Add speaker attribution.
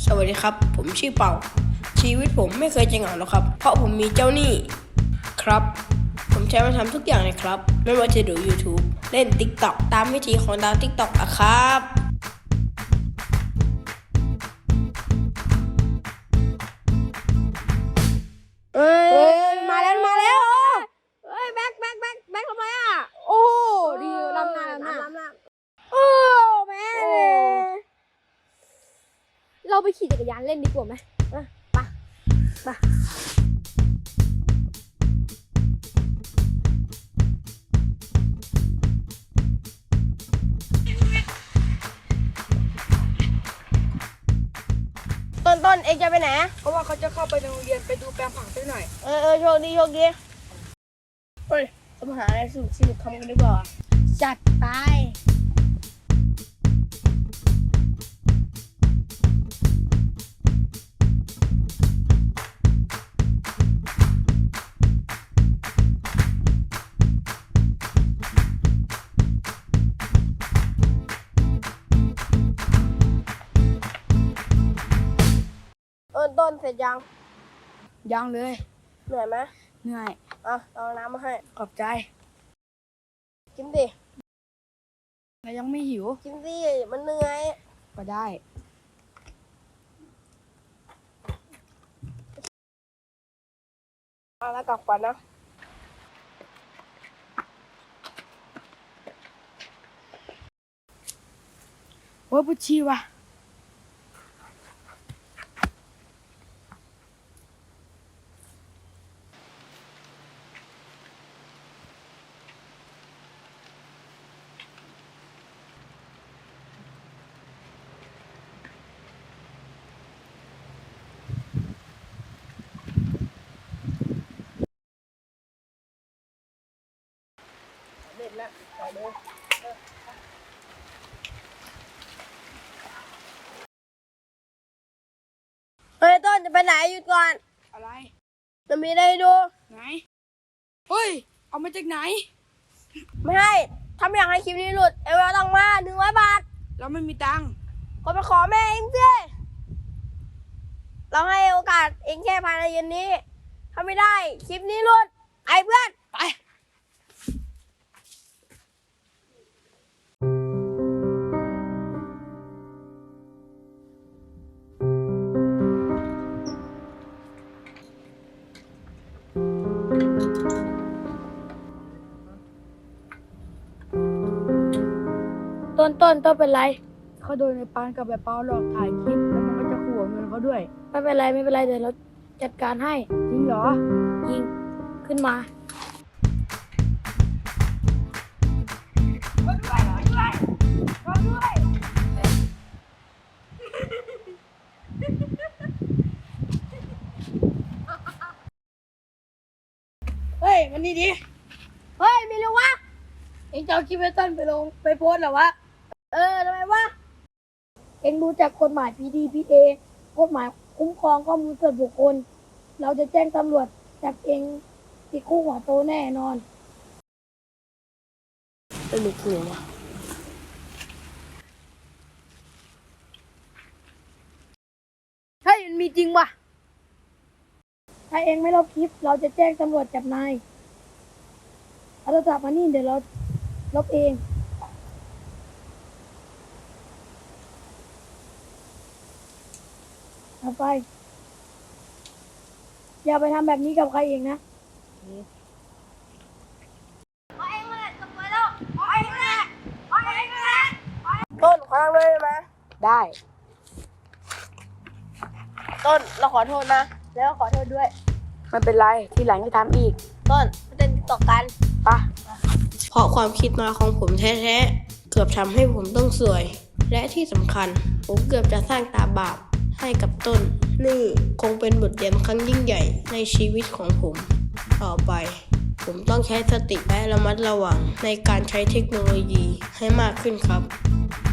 Speaker 1: สวัสดีครับผมชื่อเป่าชีวิตผมไม่เคยจะเหงาหรอกครับเพราะผมมีเจ้าหนี้ครับผมใช้มาทำทุกอย่างเลยครับไม่ว่าจะดู YouTube เล่น TikTok ตามวิธีของดาว TikTok อะครับเอ้ยมาแล้ว
Speaker 2: เฮ้ยแบ็คทำไมอ่ะโอ้ดีลำหน้าโอ้แม่เราไปขี่จักรยานเล่นดีกว่าไหมไป
Speaker 1: ต้นเองจะไปไหน
Speaker 3: เพราะว่าเขาจะเข้าไปในโรงเรียนไปดูแปลงผักสักหน่อย
Speaker 1: โชคดีเฮ้ยทำหาอะไรสนุกทำกันดีกว่า
Speaker 2: จัดไป
Speaker 1: ต้นเสร็จยัง
Speaker 3: ยังเลย
Speaker 1: เหนื่อยไหม
Speaker 3: เหนื่อย
Speaker 1: เอาน้ำมาให้
Speaker 3: ขอบใจ
Speaker 1: กินดิ
Speaker 3: แต่ยังไม่หิว
Speaker 1: กินดิมันเหนื่อย
Speaker 3: ก็ได้
Speaker 1: เอาแล้วกลับก่อนนะ
Speaker 3: โอ้ยปวดฉี่ว่ะ
Speaker 1: เด็ดแล้วไปเลยเฮ้ยต้นจะไปไหนหยุดก่อน
Speaker 3: อะไร
Speaker 1: จะมีอะไรให้ดู
Speaker 3: ไหน เฮ้ย เอามาจากไหน
Speaker 1: ไม่ให้ถ้าไม่อยากให้คลิปนี้หลุดเอเวลต้องมา100 บาท
Speaker 3: เราไม่มีตังค์
Speaker 1: ก็ไปขอแม่เองสิเราให้โอกาสเองแค่ภายในเย็นนี้ถ้าไม่ได้คลิปนี้หลุดไอ้เพื่อน
Speaker 3: ไป
Speaker 2: ต้นเป็นไร
Speaker 3: เขาโดนในปานกับแบบเปาหลอกถ่ายคลิป แล้วมันก็จะขู่เอาเงินเขาด้วย
Speaker 2: ไม่เป็นไรเดี๋ยวเราจัดการให้
Speaker 3: จริงเหรอ
Speaker 2: ยิงขึ้นมาเฮ้ยมันนี่ดิเฮ้ยไม่รู้วะเอ็งจะเอาคลิปไอ้ต้นไปลงไปโพสต์เหรอวะทำไมวะเอ็งรู้จักกฎหมาย PDPA กฎหมายคุ้มครองข้อมูลส่วนบุคคลเราจะแจ้งตำรวจจับเอ็งติดคุกหัวโตแน่นอน
Speaker 1: เป็นลูกหัว
Speaker 2: เฮ้ยมันมีจริงว่ะถ้าเอ็งไม่ลบคลิปเราจะแจ้งตำรวจจับนายเอาโทรศัพท์มานี่เดี๋ยวเราลบเองเอาไปอย่าไปทำแบบนี้กับใครเองนะ
Speaker 1: ต้นขอทางเลยได้ไหม
Speaker 3: ได้
Speaker 1: ต้นเราขอโทษนะแล้วขอโทษด้วย
Speaker 3: ไม่เป็นไร ที่หลังจะทำอีก
Speaker 1: ต้นมาเต้นต่อกัน
Speaker 3: ปะ
Speaker 1: เพราะความคิดมาของผมแท้ๆเกือบทำให้ผมต้องสวย และที่สำคัญผมเกือบจะสร้างตาบาปให้กับต้นนี่คงเป็นบทเรียนครั้งยิ่งใหญ่ในชีวิตของผม ต่อไป ผมต้องใช้สติและระมัดระวังในการใช้เทคโนโลยีให้มากขึ้นครับ